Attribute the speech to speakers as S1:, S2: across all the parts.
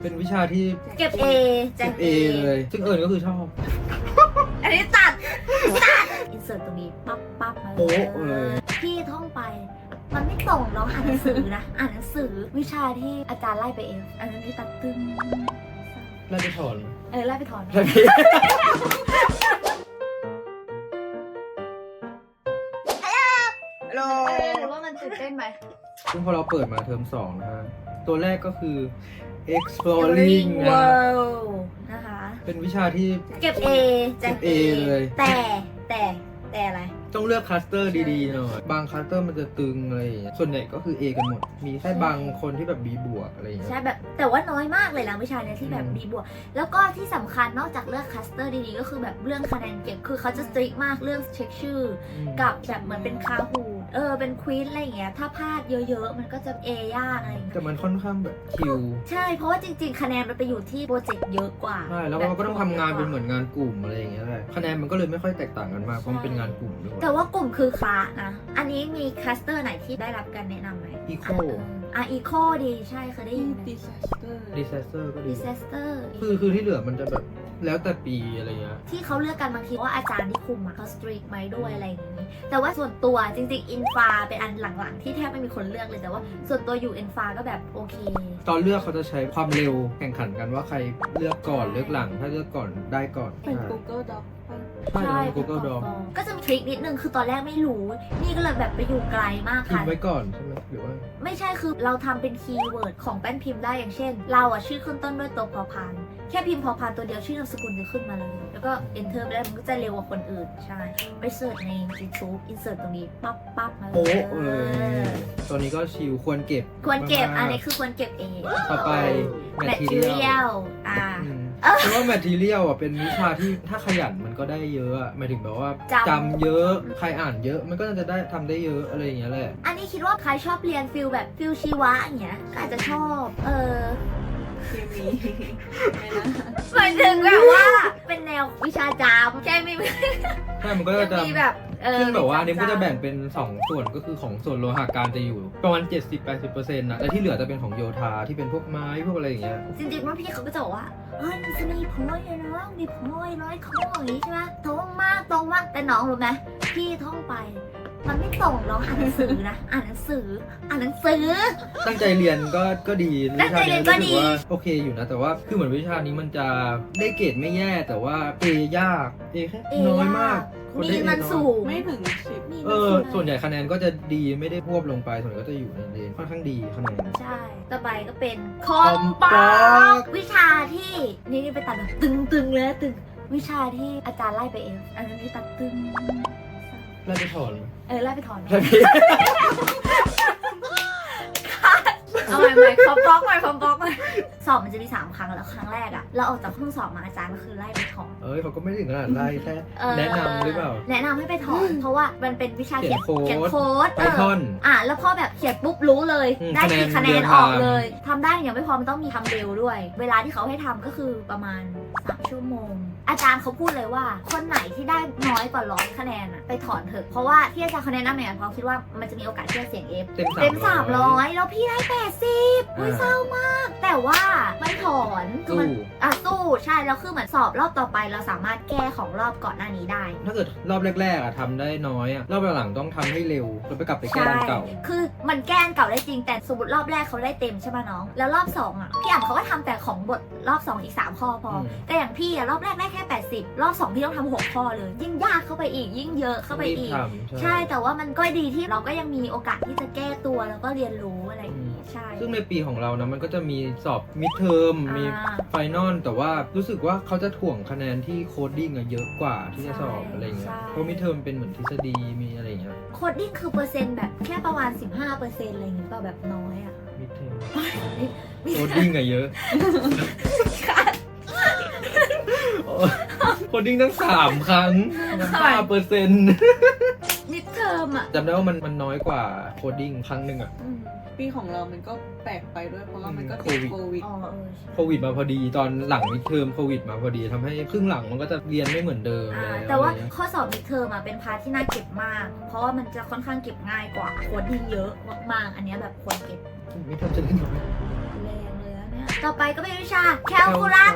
S1: เป็นวิชาที่
S2: เก็บ A แจ
S1: เก็
S2: ก
S1: บเอเลยซึ่งก็คือชอบ
S2: อันนี้ตัดอินเสิร์ตตรงนี้ปั๊บปั๊บมา
S1: โป๊ะเลย
S2: พี่ท่องไป มันไม่ตรงน้องอ่านหนังสือนะ อ่านหนังสือวิชาที่อาจารย์ไล่ไปเอง อันนี้ตัดตึ้ง
S1: ไล่ไปถอน
S2: ไล่ไปถอน
S1: ไล่ไป
S2: หรือว่ามันตื่นเต้นไหม
S1: ซึ่งพอเราเปิดมาเทอม2นะฮะตัวแรกก็คือ exploring นะ
S2: World นะคะ
S1: เป็นวิชาที่
S2: เก็บ A แจก
S1: เก็บ A เลย
S2: แต่อะไร
S1: ต้องเลือกคลัสเตอร์ดีๆหน่อยบางคลัสเตอร์มันจะตึงอะไรอย่างเงี้ยส่วนใหญ่ก็คือ A กันหมด มีแค่บางคนที่แบบ B บวกอะไรอย่างเงี้ย
S2: ใช่แบบแต่ว่าน้อยมากเลยนะวิชาเนี้ยที่แบบ
S1: อืม
S2: B บวกแล้วก็ที่สำคัญนอกจากเลือกคัสเตอร์ดีๆก็คือแบบเรื่องคะแนนเก็บคือเขาจะสตริกมากเรื่องเช็คชื่อ กับแบบเหมือนเป็นคาฮูเป็นควีนอะไรอย่างเงี้ยถ้าพลาดเยอะๆมันก็จะ A ยากอะไรอย่างเงี้ย
S1: แต่มันค่อนข้างแบบคิว
S2: ใช่เพราะว่าจริงๆคะแนนมันไปอยู่ที่โปรเจกต์เยอะกว่า
S1: ใช่แล้วเราก็ต้องทำงานเป็นเหมือนงานกลุ่มอะไรอย่างเงี้ยแหละคะแนนมันก็เลยไม่ค่อยแตกต่างกันมากเพราะมันเป็นงานกลุ่มด้วย
S2: แต่ว่ากลุ่มคือคลาสนะอันนี้มีคัสเตอร์ไหนที่ได้รับการแนะนำไหม
S1: Eco
S2: อีโคดีใช่เคยได้ยินไหม
S3: disaster
S1: disaster ก็ดี
S2: disaster
S1: คือที่เหลือมันจะแบบแล้วแต่ปีอะไรเงี้ย
S2: ที่เขาเลือกกันบางทีว่าอาจารย์ที่คุมอะเขาสตรีทไหมด้วยอะไรอย่างนี้ แต่ว่าส่วนตัวจริงๆอินฟาเป็นอันหลังๆ ที่แทบไม่มีคนเลือกเลยแต่ว่าส่วนตัวอยู่อินฟาก็แบบโอเค
S1: ตอนเลือกเขาจะใช้ความเร็วแข่งขันกันว่าใครเลือกก่อนเลือกหลังถ้าเลือกก่อนได้ก่อน
S3: เป็น Google Doc ป่ะ
S1: ใช่เป็น Google Doc
S2: ก็จะมีทริคนิดนึงคือตอนแรกไม่รู้ นี่ก็เลยแบบไปอยู่ไกลมาก
S1: พิม
S2: ค่ะ
S1: พ์ไว้ก่อนใช่ไหมหรือว่า
S2: ไม่ใช่คือเราทำเป็นคีย์เวิร์ดของแป้นพิมพ์ได้อย่างเช่น เราอะชื่อขึ้นต้นด้วยตัวพอพานแค่พิมพ์พอพานตัวเดียวชื่อนามสกุลจะขึ้นมาเลย แล้วก็ enter ไปได้มันก็จะเร็วกว่าคนอื่นใช่ไปเสิร์ชใน YouTube insert ตรงนี้ปั๊บปั๊บมาเล
S1: โป๊ะ
S2: ย
S1: เลยตัวนี้ก็ชิลควรเก็บ
S2: ควรเก็บ
S1: มากๆ
S2: อันนี้คือควรเก็บเอง
S1: ต่อไป material
S2: material
S1: เพราะว่า material อ่ะเป็นวิชาที่ถ้าขยันมันก็ได้เยอะอะหมายถึงแบบว่า
S2: จำ
S1: จำเยอะใครอ่านเยอะมันก็จะได้ทำได้เยอะอะไรอย่างเงี้ยแหละ
S2: อันนี้คิดว่าใครชอบเรียนฟิลแบบฟิลชีวะอย่างเงี้ยก็อาจจะชอบ
S3: เคมีไม่นะ
S2: หมายถึงแบบว่าเป็นแนววิชาจามใช่ไหม
S1: ใช่มันก็จะ
S2: มีแบบ
S1: ซึ่งแบบว่าอันนี้
S2: มี
S1: ก็จะ
S2: จำ
S1: แบ่งเป็น 2 ส่วนก็คือของส่วนโลหะการจะอยู่ประมาณ 70-80% นะและที่เหลือจะเป็นของโยธาที่เป็นพวกไม้พวกอะไรอย่างเงี้ย
S2: จริงๆว่าพี่เขาก็จะบอกว่ามันจะมีพอยต์นะมีพอยต์ร้อยข้ออย่างนี้ใช่ไหมตรงมากแต่น้องรู้ไหมพี่ท่องไป มันไม่ตรงน้องอ่านหนังสือนะอ่านหนังสือ
S1: ตั้งใจเรียนก็ดี
S2: ตั้งใจเรียนก็ดี
S1: วิชานี้รู้สึว่าโอเคอยู่นะแต่ว่าคือเหมือนวิชานี้มันจะได้เกรดไม่แย่แต่ว่า A ยาก A แค่น้อยมากคน
S2: มี
S1: ได้ A
S2: มัน
S1: น้อย
S2: สูง
S3: ไม่ถึง10
S2: มี
S1: ส่วนใหญ่คะแนนก็จะดีไม่ได้พวบลงไปส่วนใหญ่ก็จะอยู่ในเรนค่อนข้างดีคะแนน
S2: ใช่ต่อไปก็เป็นคอมปอ
S1: Compact
S2: กวิชาที่นี่ไปตัดแบบตึงเลยนะตึงวิชาที่อาจารย์ไล่ไปเองอันนี้ตัดตึง
S1: ไล่ไปถอน
S2: ไล่ไปถอน
S1: ไล่ไป
S2: เอาใหม่คอมปอกใหม่สอบมันจะมี3 ครั้งแล้วครั้งแรกอะเราออกจากห้องสอบมาอาจารย์ก็คือไล่ไปถอน
S1: เขาก็ไม่ถึงขนาดไล่แค่แนะนำหรือเปล่า
S2: แนะนำให้ไปถอน เพราะว่ามันเป็นวิชาเขียน
S1: เขียนโค้ด
S2: โค้ด
S1: Python
S2: แล้วพอแบบเขียนปุ๊บรู้เลย ได้กี่คะแนนออกเลยทำได้อย่างไม่พอมันต้องมีทำเร็วด้วย เวลาที่เขาให้ทำก็คือประมาณ3 ชั่วโมง อาจารย์เขาพูดเลยว่า คนไหนที่ได้น้อยกว่า100 คะแนนอะไปถอนเถอะเพราะว่าที่อาจารย์คะแนนนั่นเนี่ยเพราะคิดว่ามันจะมีโอกาสที่จะเสี่ยง F
S1: เต็ม
S2: 300แล้วพี่ได้80อุ้ยเศร้ามาก แต่ว่าไม่ถอนคือมันสู้ใช่แล้วคือเหมือนสอบรอบต่อไปเราสามารถแก้ของรอบก่อนหน้านี้ได้
S1: ถ้าเกิดรอบแรกๆทำได้น้อยรอบหลังๆต้องทำให้เร็วแล้วไปกลับไปแก้อันเก่า
S2: คือมันแก้อันเก่าได้จริงแต่สมมติรอบแรกเขาได้เต็มใช่ไหมน้องแล้วรอบ2พี่อ่านเขาก็ทำแต่ของบทรอบ2อีก3 ข้อพอแต่อย่างพี่รอบแรกได้แค่80รอบ2พี่ต้องทำ6 ข้อเลยยิ่งยากเข้าไปอีกยิ่งเยอะเข้าไปอีกใช่แต่ว่ามันก็ดีที่เราก็ยังมีโอกาสที่จะแก้ตัวแล้วก็เรียนรู้อะไรอย่างนี้ใช่
S1: ซึ่งในปีของเรานะมันก็จะมีสอบมิดเทอมมีไฟนอลแต่ว่ารู้สึกว่าเขาจะถ่วงคะแนนที่โคดดิ้งเยอะกว่าที่จะสอบอะไรเงี้ยเพราะมิดเทอมเป็นเหมือนทฤษฎีมีอะไรเงี้ย
S2: โคดดิ้งคือเปอร์เซ็นต์แบบแค่ประมาณ 15%อะไรอย่างงี้เปล่าแบบน้อยอะ
S1: มิดเทอมโคดดิ้งเยอะโคดดิ้งตั้ง3 ครั้ง5%
S2: มิดเทอมอะ
S1: จำได้ว่ามันน้อยกว่าโคดดิ้งครั้งหนึ่งอะ
S3: ปีของเรามันก็แปลกไปด้วยเพราะว่ามันก็
S1: โค
S3: ติด
S1: วิด
S3: โควิด
S1: โควิดมาพอดีตอนหลังมิดเทอมโควิดมาพอดีทำให้ครึ่งหลังมันก็จะเรียนไม่เหมือนเดิมแล้ว
S2: แต่ว่าข้อสอบมิดเทอมอะเป็นพาร์ทที่น่าเก็บมาก เพราะว่ามันจะค่อนข้างเก็บง่ายกว่าโคดดิ้งเยอะมากๆอันเนี้ยแบบควรเก็บ
S1: มิดเทอมจะเล่นกับ
S2: แรงเลยนะเนี่ยต่อไปก็เป็นวิชาแคลคูลัส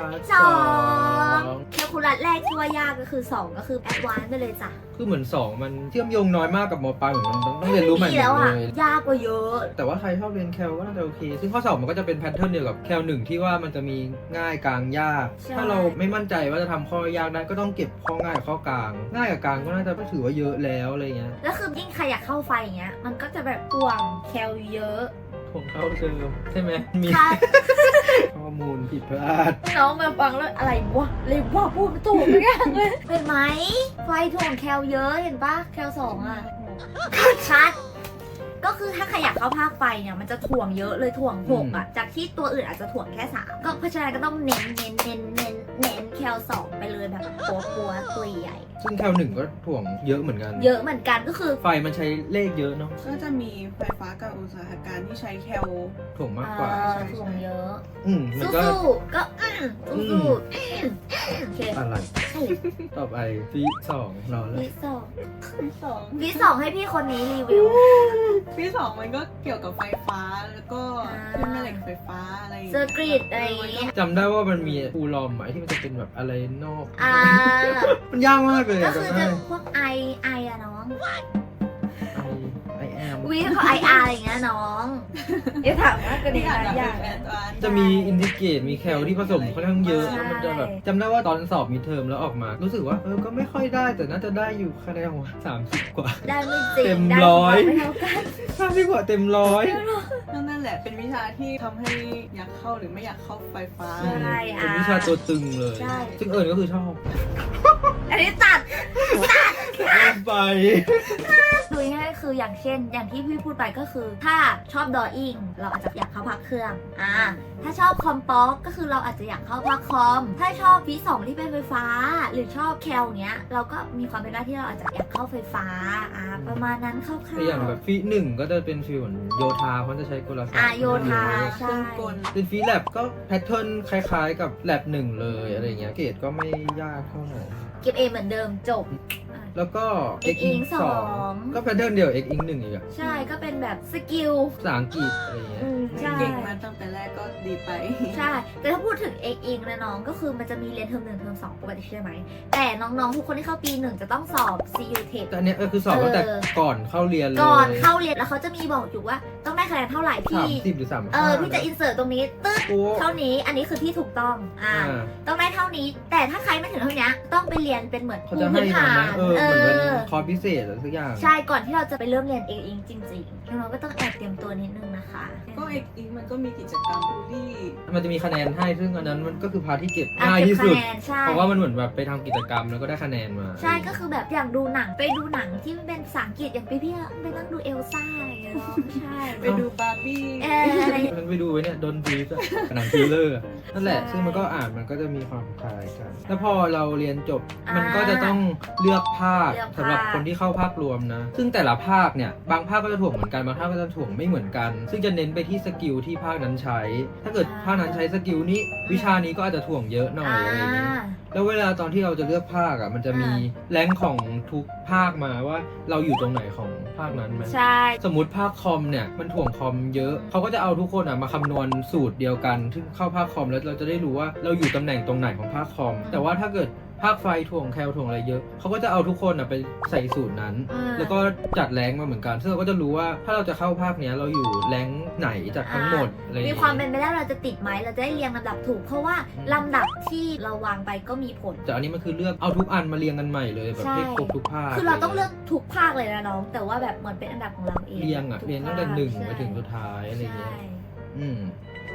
S2: 2แคลคูลัสแรกที่ว่ายากก็คือ2ก็คือแอดวานซ์ไปเลยจ้ะ
S1: คือเหมือน2มันเชื่อมโยงน้อยมากกับมปลายเหมือนมันต้องเรียนรู้ใหม่หม
S2: แล้ว
S1: ด
S2: อ่ะ
S1: เลย
S2: ยากกว่าเยอะ
S1: แต่ว่าใครชอบเรียนแคลก็น่าจะโอเค ซึ่งข้อสอบมันก็จะเป็นแพทเทิร์นเดียวกับแคล1ที่ว่ามันจะมีง่ายกลางยาก
S2: ใช่
S1: ถ้าเราไม่มั่นใจว่าจะทำข้อยากได้ก็ต้องเก็บข้อง่ายกับข้อกลาง ง่ายกับกลางก็น่าจะถือว่าเยอะแล้วอะไรเงี้ย
S2: แล้วคือยิ่งใครอยากเข้าไฟอย่างเงี้ยมันก็จะแบบห่วงแคลเยอะ
S1: ผมเข้าเทอมใช่ไหมมี
S2: ค่ะ
S1: ข้อมูลผิดพลาด
S2: น้องมาฟังแล้วอะไรวะเลยว่าพูดไม่ถูกไม่ยังเลยเห็นไหมไฟถ่วงแคลเยอะเห็นปะแคล2อ่ะชัดก็คือถ้าใครอยากเข้าภาคไฟเนี่ยมันจะถ่วงเยอะเลยถ่วง6อ่ะจากที่ตัวอื่นอาจจะถ่วงแค่3ก็เพราะฉะนั้นก็ต้องเน้นแคล2ไปเลยแบบปัวตัวใหญ่
S1: ซึ่งแคล1ก็ถ่วงเยอะเหมือนกัน
S2: เยอะเหมือนกันก็คือ
S1: ไฟมันใช้เลขเยอะเนาะ
S3: ก็จะมีไฟฟ้ากับอุตสาหการที่ใช้แคล
S1: ถ่วงมากกว่า
S2: ถ่วงเยอะ
S1: มันก็
S2: สู้ๆก็สู้ๆโอเค
S1: อะไร
S2: ใช่
S1: ต่อไปฟี2รอแล้ว
S2: วิสอง
S3: ที่สอง
S2: วิสองให้พี่คนนี้รีวิว
S3: ที่สองมันก็เกี่ยวกับไฟฟ้าแล้วก็
S2: อ่า
S3: ขึ้นแม่เหล็กไฟฟ้าอะไรอย่าง
S2: เซอ
S3: เงี้ย
S2: ร์กริดอะไรอย่างเงี้ย
S1: จำได้ว่ามันมีฟูลอมอะที่มันจะเป็นแบบอะไรนอก
S2: อ่า
S1: มันยากมากเลย
S2: ก็
S1: อะ
S2: คือ
S1: จำ
S2: จะ
S1: ได้
S2: พวกไออะน้อง
S1: ไอแอม
S2: วิเขาไออาร์อะไรอย่างเงี้ยน้องเดี๋ยวถามว่าก็ดี
S3: ที่อาจ
S2: นะ
S3: จะ
S2: อ
S3: เป็
S2: ย่าน ง
S3: แอดวานซ์
S1: จะมีอินทิเกรตมีแคลที่ผสมค่อนข้างเยอะ
S2: ใช่
S1: แล้วมันจะแบบจำได้ว่าตอนสอบมีเทอมแล้วออกมา รู้สึกว่าก็ไม่ค่อยได้แต่น่าจะได้อยู่คะแนนของ30 กว่า
S2: ได้ไม่จริง
S1: เต็ม
S2: ได้
S1: ร้อย
S2: ไม่เท่ากัน
S1: 30 กว่าเต็มร้อย
S3: นั่นแหละเป็นวิชาที่ทำให้อยากเข้าหรือไม่อยากเข้าไฟฟ้า
S2: ใช่
S1: เป็นวิชาตัวตึงเลย
S2: ใช่
S1: ซึ่งเอิญก็คือชอบ
S2: อันนี้ตัด
S1: ไป
S2: ดูง่ายๆคืออย่างเช่น อย่างที่พี่พูดไปก็คือ ถ้าชอบดออิ่งเราอาจจะอยากเข้าภาคเครื่องถ้าชอบคอมป๊อกก็คือเราอาจจะอยากเข้าภาคคอม ถ้าชอบฟี2ที่เป็นไฟฟ้า หรือชอบแคลเนี้ยเราก็มีความเป็นได้ที่เราอาจจะอยากเข้าไฟฟ้าประมาณนั้นคร่าว
S1: แต่อย่างแบบฟี1ก็จะเป็นฟีเหมือนโยธาเพราะจะใช้กลศาสตร์
S2: โยธา
S3: เครื่องกล
S1: เป็นฟีแลบก็แพทเทิร์นคล้ายๆกับแลบ1เลยอะไรเงี้ยเกรดก็ไม่ยากเท่าไหร่
S2: เก็บเอเหมือนเดิมจบ
S1: แล้วก็
S2: X
S1: X
S2: Ink
S1: 2
S2: 2
S1: ก็แพทเทิร์นเดียว X Ink 1อีกอะ
S2: ใช่ก็เป็นแบบสกิล
S1: ภาษาอังกฤษอะไรเงี้ย
S2: ใช่
S3: เก่งมาตั้งแต่แรกก็ดีไป
S2: ใช่ แต่ถ้าพูดถึง X Ink นะน้องก็คือมันจะมีเรียนเทอม1เทอม2ปกติใช่ไหม แต่น้องๆทุกคนที่เข้าปี 1 จะต้องสอบ CU Tech
S1: แต่อันเนี้ยคือสอบตั้งแต่ก่อนเข้าเรียนเลย
S2: ก่อนเข้าเรียนแล้วเขาจะมีบอกอยู่ว่าต้องได้คะแนนเท่าไหร่พี่
S1: 30หรือ35
S2: พี่จะอินเสิร์ตตรงนี้ตึ๊ด
S1: โอ้
S2: เท่านี้อันนี้คือที่ถูกต้องต้องได้เท่านี้ แต่ถ้าใครไม่ถึงเท่านี้ต้องไปเรียนเป็นเหมือน
S1: เขาจะให้
S2: พื้น
S1: มา
S2: ฐา
S1: ไหม
S2: น
S1: เหมือนเป็นคอร์สพิเศษอะไรสักอย่าง
S2: ใช่ก่อนที่เราจะไปเริ่มเรียน X Ink จริงๆน้องๆก็ต้องแอบเตรียมตัวนิดนึงนะคะ
S3: ก็เอกอีกมันก็มีกิจกรรมบูลลี่
S1: มันจะมีคะแนนให้ซึ่งอันนั้นมันก็คือพาร์ทที่เก็บ
S2: อ่ะ
S1: ง่าย
S2: เก็บ
S1: ที่
S2: คะ
S1: สุด
S2: แนนใช่
S1: เพราะว่ามันเหมือนแบบไปทำกิจกรรมแล้วก็ได้คะแนนมา
S2: ใช่ก็คือแบบอยากดูหนังไปดูหนังที่มันเป็นภาษาอังกฤษอย่างพี่ๆไปนั่งดูเอลซ่าอะไรอย่างเงี้ยเนาะใช่
S3: ไปดูบาร์บี้
S2: อะไร
S1: มันไปดูไว้เนี่ยโดนบีฟหนังทริลเลอร์นั่นแหละ
S2: ใช่
S1: ซึ่งมันก็อ่านมันก็จะมีความคล้ายกัน แล้วพอเราเรียนจบ
S2: อ่ามั
S1: มันก็จะต้องเลือกภาค
S2: เลือกภาค
S1: สำหรับคนที่เข้าภาครวมนะ ซึ่งแต่ละภาคเนี่ยบางภาคก็จะถ่วงเหมือนกันบางภาคก็จะถ่วงไม่เหมือนกัน ซึ่งจะเน้นไปที่สกิลที่ภาคนั้นใช้ ถ้าเกิดภาคนั้นใช้สกิลนี้วิชานี้ก็อาจจะถ่วงเยอะหน่อยอะไรอย่างเงี้ย แล้วเวลาตอนที่เราจะเลือกภาคอ่ะมันจะมีแรงค์ของทุกภาคมาว่าเราอยู่ตรงไหนของภาคนั้นไหม
S2: ใช่
S1: สมมติภาคคอมเนี่ยมันถ่วงคอมเยอะเขาก็จะเอาทุกคนอ่ะมาคำนวณสูตรเดียวกันซึ่งเข้าภาคคอมแล้วเราจะได้รู้ว่าเราอยู่ตำแหน่งตรงไหนของภาคคอม แต่ว่าถ้าเกิดภาคไฟถ่วงแคลถ่วงอะไรเยอะเขาก็จะเอาทุกคนอ่ะไปใส่สูตรนั้น แล้วก็จัดแรงค์มาเหมือนกันซึ่งเราก็จะรู้ว่าถ้าเราจะเข้าภาคเนี้ยเราอยู่แรงค์ไหนจากทั้งหมดอะไรอย่าง
S2: มี
S1: เงี้ย
S2: ความเป็นไปได้เราจะติดไหมเราจะได้เรียงลำดับถูก เพราะว่าลำดับที่เราวางไปก็มีผล
S1: แต่อันนี้มันคือเลือกเอาทุกอันมาเรียงกันใหม่เลยแบบ
S2: ใช่
S1: ให้ครบทุกภาค
S2: คือเราต้องเลือกทุกภาคเลยนะน้อง แต่ว่าแบบเหมือนเป็นอันดับของเราเอง
S1: เรียงอ่ะ
S2: ทุก
S1: เรียงตั้งแต่
S2: ภาค
S1: หนึ่ง
S2: ใช่
S1: ไปถึงสุดท้ายอะไรเงี้ย
S2: ใช่
S1: อืม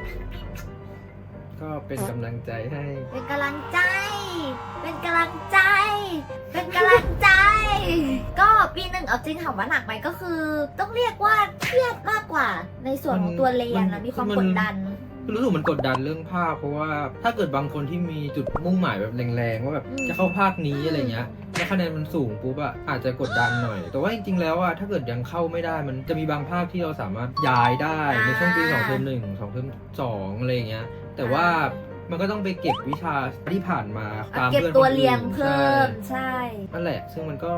S1: ก็เป็นกำลังใจให้
S2: เป็นกำลังใจ เป็นกำลังใจ เป็นกำลังใจ ก็ปีหนึ่งเอาจริงถามว่าหนักไหมก็คือ ต้องเรียกว่าเครียดมากกว่าในส่วนของตัวเรียนนะมีความกดดัน
S1: คือรู้สึกมันกดดันเรื่องภาคเพราะว่าถ้าเกิดบางคนที่มีจุดมุ่งหมายแบบแรงๆว่าแบบ
S2: อืม
S1: จะเข้าภาคนี้อะไรเงี้ยแล้วคะแนนมันสูงปุ๊บอะอาจจะกดดันหน่อย แต่ว่าจริงๆแล้วอะถ้าเกิดยังเข้าไม่ได้มันจะมีบางภาคที่เราสามารถย้ายได้ในช่วงปี2เทอม1 2เทอม2อะไรเงี้ยแต่ว่ามันก็ต้องไปเก็บวิชาที่ผ่านมาตาม
S2: เก็บ
S1: เพื่อน
S2: ตัว
S1: คนอื่น
S2: เรียงเพิ่ม
S1: ใช่
S2: ใช่
S1: นั่นแหละ ซึ่งมันก็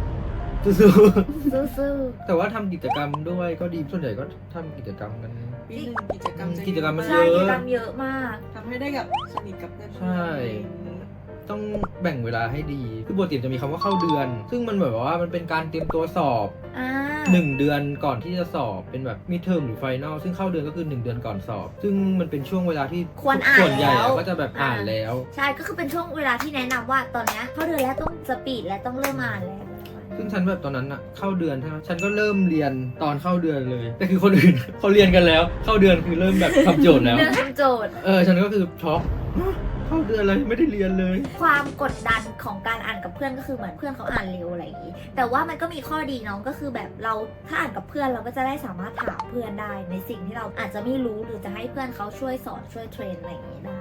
S1: สู้ๆ
S2: สู้
S1: แต่ว่าทำกิจกรรมด้วยก็ดีส่วนใหญ่ก็ทำกิจกรรมกัน
S3: ปีหนึ่งกิจกรรมจะ
S1: กิจกรรมมัน
S2: ใช่
S1: เย
S2: กิจ
S1: อะ
S2: กรรมเยอะมาก
S3: ทำให้ได้กับสนิทกับเพื่อน
S1: ใช่ ต้องแบ่งเวลาให้ดี คือปกติจะมีคำว่าเข้าเดือน ซึ่งมันแบบว่ามันเป็นการเตรียมตัวสอบ
S2: อ่า
S1: 1 เดือนก่อนที่จะสอบเป็นแบบมิดเทอมหรือไฟนอลซึ่งเข้าเดือนก็คือ1 เดือนก่อนสอบ ซึ่งมันเป็นช่วงเวลาที่
S2: ควรอ่าน
S1: ส่วนใหญ่
S2: แล้ว
S1: ก็จะแบบอ่านแล้ว
S2: ใช่ก็คือเป็นช่วงเวลาที่แนะนำว่าตอนเนี้ยเข้าเดือนแล้วต้องสปีดและต้องเริ่มอ่านแล้ว
S1: ซึ่งฉันแบบตอนนั้นอะเข้าเดือนใช่ไหมฉันก็เริ่มเรียนตอนเข้าเดือนเลย แต่คือคนอื่น เขาเรียนกันแล้ว เข้าเดือนคือเริ่มแบบทำโจทย์แล้ว
S2: เรื่องทำโจทย์
S1: ฉันก็คือช็อกเข้าเดือนอะไรไม่ได้เรียนเลย
S2: ความกดดันของการอ่านกับเพื่อนก็คือเหมือนเพื่อนเขาอ่านเร็วอะไรอย่างนี้ แต่ว่ามันก็มีข้อดีน้องก็คือแบบเราถ้าอ่านกับเพื่อนเราก็จะได้สามารถถามเพื่อนได้ในสิ่งที่เราอาจจะไม่รู้หรือจะให้เพื่อนเขาช่วยสอนช่วยเทรนอะไรอย่างนี้ได้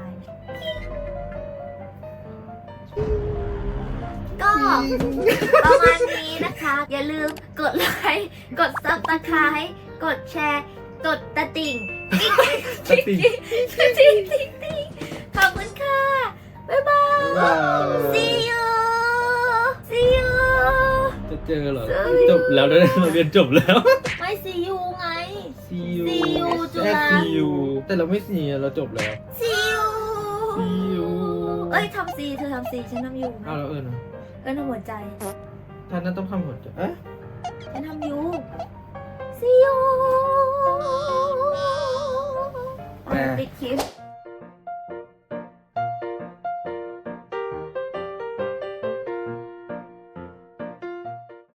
S2: ก็ประมาณนี้นะคะ อย่าลืมกดไลค์กดซับสไครต์กดแชร์กดตะติ่ง
S1: ตะติ่ง
S2: ติ๊งขอบคุณค่ะ บ๊ายบาย
S1: บ๊ายบาย
S2: see you see you
S1: จะเจอเหรอ
S2: เจอ
S1: จบแล้วนะเราเรียนจบแล้ว
S2: ไม่ see you ไง
S1: See you
S2: See you จุฬา
S1: แค่ See you แต่เราไม่ see เราจบแล้ว
S2: see you
S1: See you
S2: เอ้ยทำ see เธอทำ see ฉันทำ you นะ
S1: เอาแล้วนะ
S2: เอ้ยทำหัวใจ
S1: ท่านนั้นต้องทำหัวใจเอ๊ะ
S2: ฉันทำ you see you
S1: แปล
S2: ปิดคลิป